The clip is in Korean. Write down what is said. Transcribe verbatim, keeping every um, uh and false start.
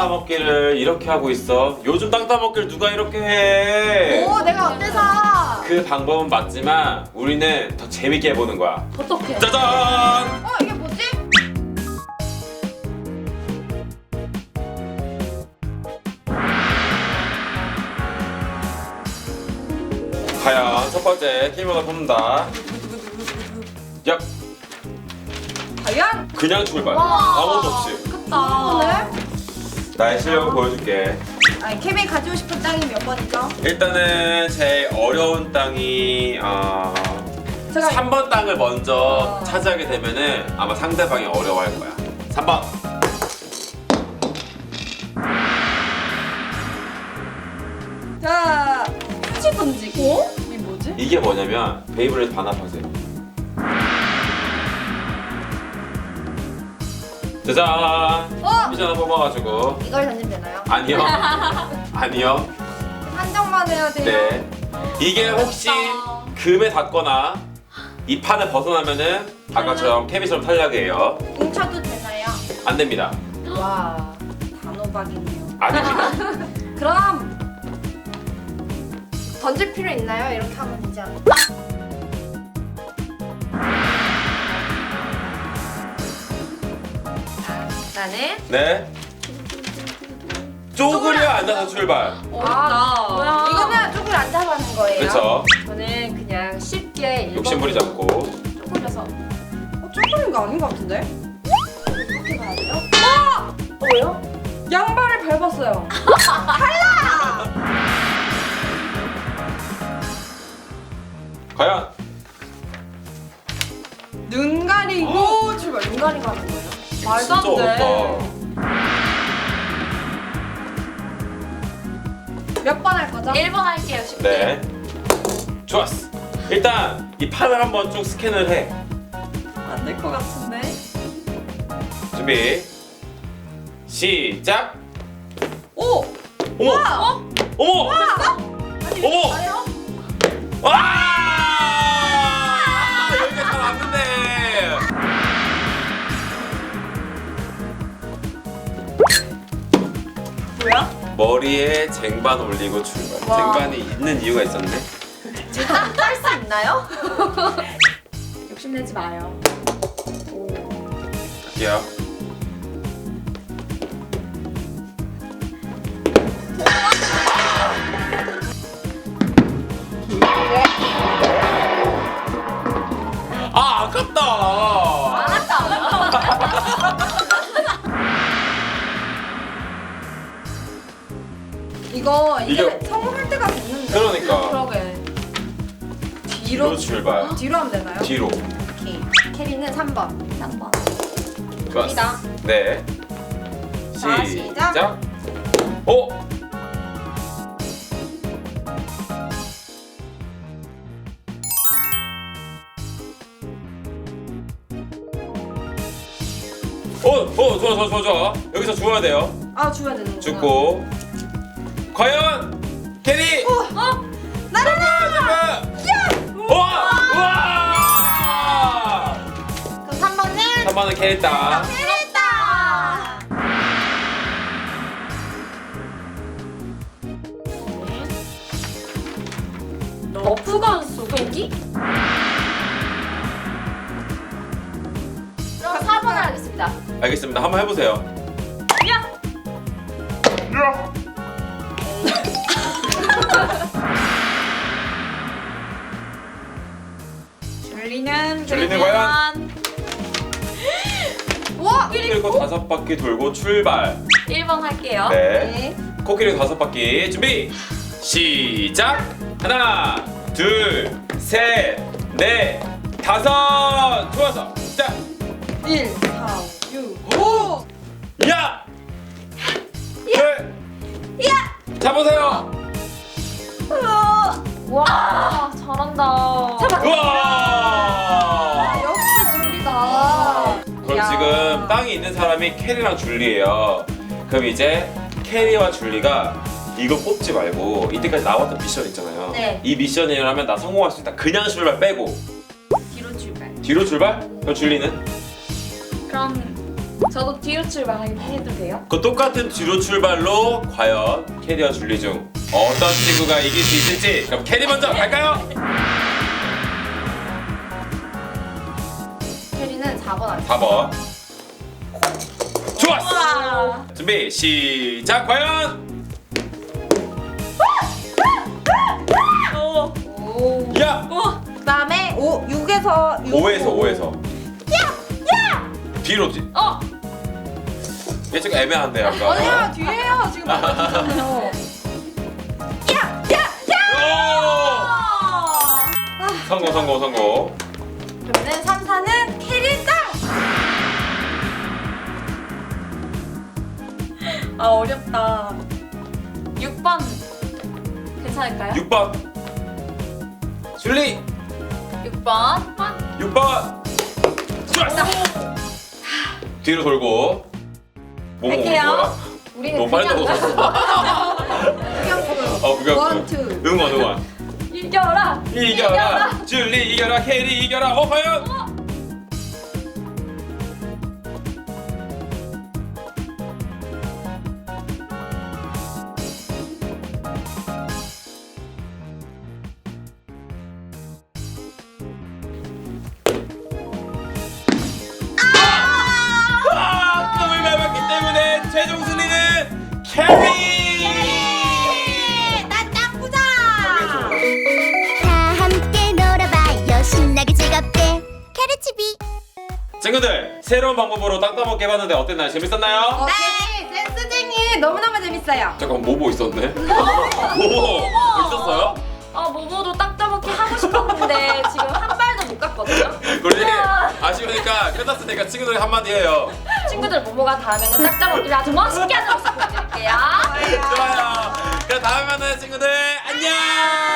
따먹기를 이렇게 하고 있어. 요즘 땅 따먹기를 누가 이렇게 해? 오, 내가 어때서? 그 방법은 맞지만 우리는 더 재밌게 해보는 거야. 어떡해? 짜잔! 어, 이게 뭐지? 과연 첫 번째 키보드 뽑는다. 야, 과연? 그냥 출발. 와. 아무것도 없이. 아깝다. 오늘? 나의 실력을 보여줄게. 아니, 케빈 가지고 싶은 땅이 몇 번이죠? 일단은 제일 어려운 땅이 어... 제가 삼 번 땅을 먼저 아. 차지하게 되면은 아마 상대방이 어려워할 거야. 삼 번. 자, 휴지 던지기. 어? 이게 뭐지? 이게 뭐냐면 베이블레이드 반합하세요. 짜잔. 어? 미션 하나 뽑아가지고. 이걸 던지면 되나요? 아니요. 아니요. 한정만 해야 돼요. 네. 이게 혹시 어렵다. 금에 닿거나 이 판을 벗어나면은 아까처럼 케빈처럼 탈락이에요. 뭉쳐도 되나요? 안 됩니다. 와, 단호박이네요. 아닙니다. 그럼 던질 필요 있나요? 이렇게 하면 되지 않을까? 자, 나는 네. 쪼그려 앉아서 출발. 어렵다. 뭐야? 이거는 쪼그려 앉아서 하는 거예요. 그렇죠. 저는 그냥 쉽게 일 번 욕심 부리지 않고. 쪼그려서. 어, 쪼그린 거 아닌 것 같은데? 이렇게 가야 돼요? 뭐요? 양발을 밟았어요. 과연 눈 가리고 출발. 눈 가리고 하는 거예요? 말도 안 진짜 돼. 어렵다. 몇 번 할 거죠? 일 번 할게요, 쉽게. 네. 좋았어. 일단 이 판을 한번 쭉 스캔을 해. 안 될 것 같은데. 준비. 시작. 오! 어머. 어? 어머. 아니, 어머! 봐요? 와! 여기가 잘 왔는데. 뭐야? 머리에 쟁반 올리고 출발. 와. 쟁반이 있는 이유가 있었네. 제가 딸수 있나요? 욕심내지 마요. 갈게요. 아, 아깝다. 이거 이제 이게- 성공할 때가 됐는데. 그러니까. 그러게. 뒤로 뒤로 출발. 뒤로 하면 되나요? 뒤로. 오케이. 캐리는 삼 번. 삼 번. 좋았어. 갑니다. 네. 자, 시작. 시작. 오. 오, 오, 좋아, 좋아, 좋아, 좋아. 여기서 주워야 돼요. 아, 줘야 되는구나. 죽고. 과연 캐리. 어? 나를 잠깐, 잠깐. 와, 와. 그럼 삼 번은 삼 번은 캐리 땅. 캐리다. 너프건 쏘기? 그럼 사 번을 하겠습니다. 알겠습니다. 한번 해보세요. 야! 줄리는 줄리는 그러면 와! 그리고 다섯 바퀴 돌고 출발. 일 번 할게요. 네. 코끼리 다섯 바퀴 준비. 시작. 하나, 둘, 셋, 넷, 다섯. 좋아서 시작. 일, 사, 육, 오! 야! 둘! 야! 잡으세요! 와, 잘한다. 잡아. 우와! 역시 줄리다. 그럼 야. 지금 땅이 있는 사람이 캐리랑 줄리예요. 그럼 이제 캐리와 줄리가 이거 뽑지 말고 이때까지 나왔던 미션 있잖아요. 네. 이 미션이라면 나 성공할 수 있다. 그냥 출발 빼고 뒤로 출발. 뒤로 출발? 그럼 줄리는? 그럼 저도 뒤로 출발하게 해도 돼요? 그 똑같은 뒤로 출발로 과연 캐리와 줄리 중 어떤 친구가 이길 수 있을지. 그럼 캐리 먼저 갈까요? 캐리는 사 번 할게요. 사 번. 좋았어. 우와. 준비 시작. 과연 오. 오. 야 오. 그다음에 오 육에서 오에서 오에서 뒤로 뒤. 어. 얘 지금 애매한데 약간. 아니야 뒤에요 지금 맞았잖아요. 오! 아. 성공 성공 성공. 그러면 삼, 사는 캐리 땅. 아 어렵다. 육 번 괜찮을까요? 육 번 줄리 육 번. 번. 육 번. 좋았어. 뒤로 돌고. 뭐 먹는 할게요. 거야? 우리는 너무 빨리 그냥 먹었어. 그냥 어 그거 원, 투. 응원 응원. 이겨라. 이겨라 줄리 이겨라 캐리 이겨라. 어 과연 아! 꿈을 밟았기 때문에 최종 순위는 캐리! 나 짱구자. 다 함께 놀아봐요 신나게 즐겁게 캐르치비 친구들 새로운 방법으로 땅 따먹기 해봤는데 어땠나요? 재밌었나요? 어, 캐리 센스쟁이 너무너무 재밌어요. 잠깐 모모 있었네? 모모 있었어요? 아 모모도 딱 따먹기 하고 싶었는데 지금 한 발도 못 갔거든요. 우리 아쉬우니까 끝났으니까 친구들이 한마디 해요. 친구들 모모가 다음에는 딱 따먹기를 아주 멋있게 하는 모습 보여드릴게요. 좋아요. 그럼 다음에 만나요 친구들 안녕.